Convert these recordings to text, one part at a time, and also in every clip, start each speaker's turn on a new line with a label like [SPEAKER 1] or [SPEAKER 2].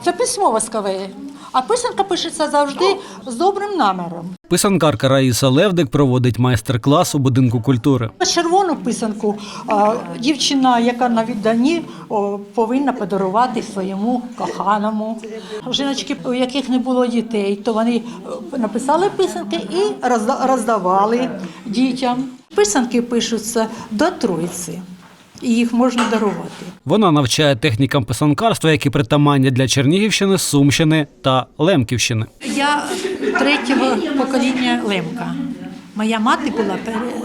[SPEAKER 1] Це письмо воскове, а писанка пишеться завжди з добрим наміром.
[SPEAKER 2] Писанкарка Раїса Левдик проводить майстер-клас у будинку культури.
[SPEAKER 1] Червону писанку дівчина, яка на відданні, повинна подарувати своєму коханому. Жіночки, у яких не було дітей, то вони написали писанки і роздавали дітям. Писанки пишуться до Троїці. І їх можна дарувати.
[SPEAKER 2] Вона навчає технікам писанкарства, які притаманні для Чернігівщини, Сумщини та Лемківщини.
[SPEAKER 1] Я третього покоління лемка. Моя мати була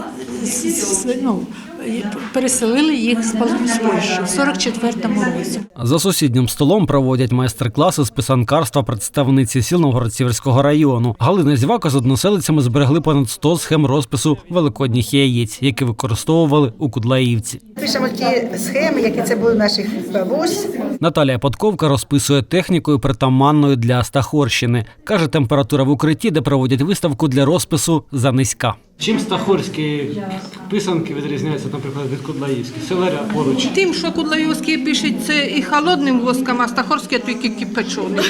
[SPEAKER 1] переселили їх з Польщі в 44-му році.
[SPEAKER 2] За сусіднім столом проводять майстер-класи з писанкарства представниці сіл Новгород-Сіверського району. Галина Зівака з односелицями зберегли понад 100 схем розпису великодніх яєць, які використовували у Кудлаївці.
[SPEAKER 3] Пишемо ті схеми, які це були наших бабусь.
[SPEAKER 2] Наталія Подковка розписує технікою, притаманною для Стахорщини. Каже, температура в укритті, де проводять виставку для розпису, занизька. Чим стахорські писанки відрізняються, наприклад, від кудлаївських? Селеря поруч.
[SPEAKER 4] Тим, що кудлаївські пишуть це і холодним воском, а стахорське тільки кипяченим.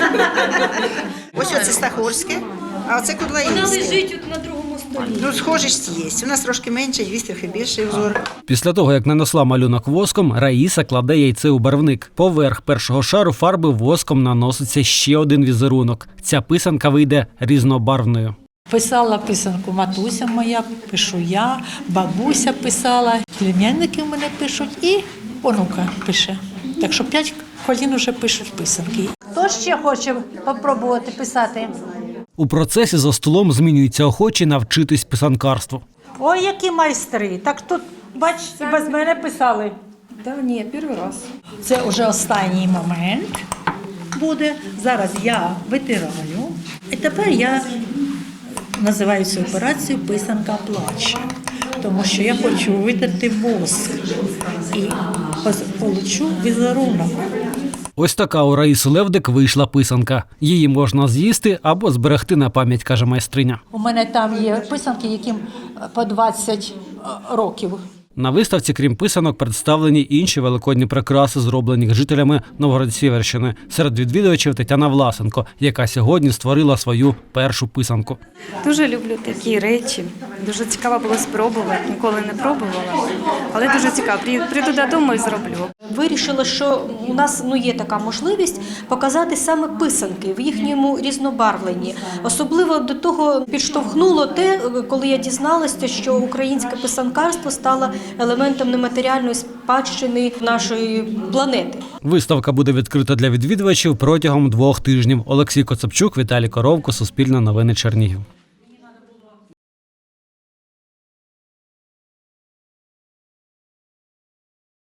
[SPEAKER 3] Ось оце стахорське, а оце кудлаївське.
[SPEAKER 5] Вона лежить на другому столі.
[SPEAKER 3] Ну, схожість є. У нас трошки менше, є трохи більший узор.
[SPEAKER 2] Після того, як нанесла малюнок воском, Раїса кладе яйце у барвник. Поверх першого шару фарби воском наноситься ще один візерунок. Ця писанка вийде різнобарвною.
[SPEAKER 1] Писала писанку матуся моя, пишу я, бабуся писала, племянники в мене пишуть і онука пише. Так що 5 колін вже пишуть писанки. Хто ще хоче спробувати писати?
[SPEAKER 2] У процесі за столом змінюються охочі навчитись писанкарству.
[SPEAKER 1] Ой, які майстри! Так тут, бачите, без мене писали.
[SPEAKER 5] Да, ні, перший раз.
[SPEAKER 1] Це вже останній момент буде. Зараз я витираю. І тепер я називаю цю операцію «Писанка плаче», тому що я хочу витерти воск і получу візерунок.
[SPEAKER 2] Ось така у Раїси Левдик вийшла писанка. Її можна з'їсти або зберегти на пам'ять, каже майстриня.
[SPEAKER 1] У мене там є писанки, яким по 20 років.
[SPEAKER 2] На виставці, крім писанок, представлені інші великодні прикраси, зроблені жителями Новгород-Сіверщини. Серед відвідувачів Тетяна Власенко, яка сьогодні створила свою першу писанку.
[SPEAKER 6] Дуже люблю такі речі. Дуже цікаво було спробувати. Ніколи не пробувала, але дуже цікаво. Прийду додому і зроблю.
[SPEAKER 5] Вирішила, що у нас є така можливість показати саме писанки в їхньому різнобарвленні. Особливо до того підштовхнуло те, коли я дізналася, що українське писанкарство стало елементом нематеріальної спадщини нашої планети.
[SPEAKER 2] Виставка буде відкрита для відвідувачів протягом 2 тижнів. Олексій Коцапчук, Віталій Коровко, Суспільне новини, Чернігів.